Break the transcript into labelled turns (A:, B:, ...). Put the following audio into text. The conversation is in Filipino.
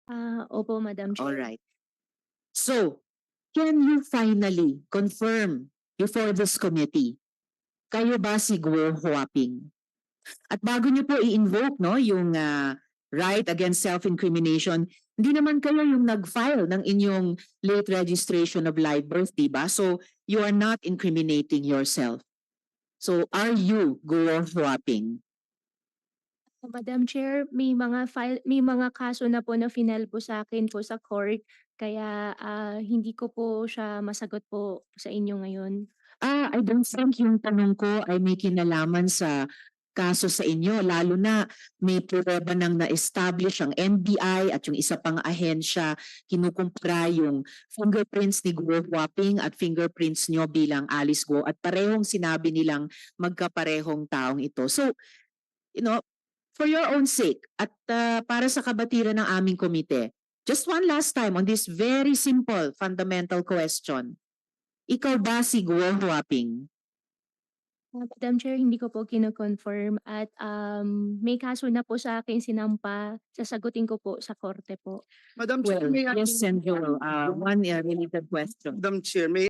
A: Opo, Madam
B: All
A: Chair.
B: right. So, can you finally confirm before this committee, kayo ba si Guo Huaping? At bago niyo po i-invoke no, yung right against self-incrimination, hindi naman kayo yung nag-file ng inyong late registration of live birth, di ba? So, you are not incriminating yourself. So, are you Guo Huaping?
A: Madam Chair, may mga kaso na po na final po sa akin po sa court, kaya hindi ko po siya masagot po sa inyo ngayon.
B: I don't think yung tanong ko ay may kinalaman sa kaso sa inyo, lalo na may pruweba nang na-establish ang NBI at yung isa pang ahensya, kinukumpara yung fingerprints ni Guo Huaping at fingerprints nyo bilang Alice Guo at parehong sinabi nilang magkaparehong taong ito. So, you know, for your own sake at para sa kabatiran ng aming komite, just one last time on this very simple fundamental question. Ikaw ba si Guo Huaping?
A: Madam Chair, hindi ko po kino-confirm at may kaso na po sa akin sinampa, sasagutin ko po sa korte po.
C: Madam Chair,
B: Well,
C: may I
B: yes, Sen. Joel, one related question.
C: Madam Chair, may